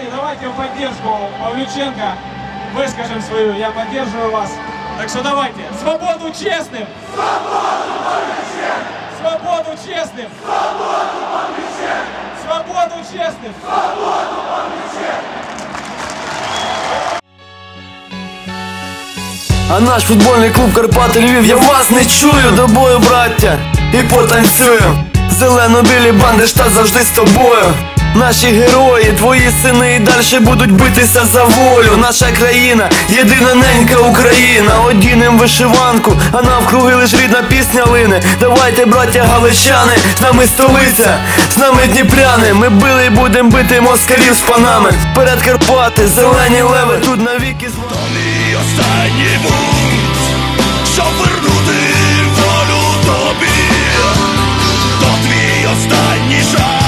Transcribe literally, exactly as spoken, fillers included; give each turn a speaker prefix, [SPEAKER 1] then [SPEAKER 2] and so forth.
[SPEAKER 1] пацаны, давайте в поддержку Павлюченко выскажем свою, я поддерживаю вас. Так что давайте, свободу честным!
[SPEAKER 2] Свободу Павлюченко!
[SPEAKER 1] Свободу честным!
[SPEAKER 2] Свободу Павлюченко!
[SPEAKER 1] Свободу честным!
[SPEAKER 2] Свободу Павлюченко!
[SPEAKER 3] А наш футбольний клуб Карпати Львів, я вас не чую. До бою, браття, і потанцюю. Зелено-білі банди, штат завжди з тобою. Наші герої, твої сини і далі будуть битися за волю. Наша країна, єдина ненька Україна. Одінем вишиванку, а навкруги лиш рідна пісня лине. Давайте, браття галичани, з нами столиця, з нами дніпряни. Ми били і будем бити москалів з панами. Вперед Карпати, зелені леви, тут навіки з вами.
[SPEAKER 4] То мій останній бунт, щоб вернути волю тобі. То твій останній жаль.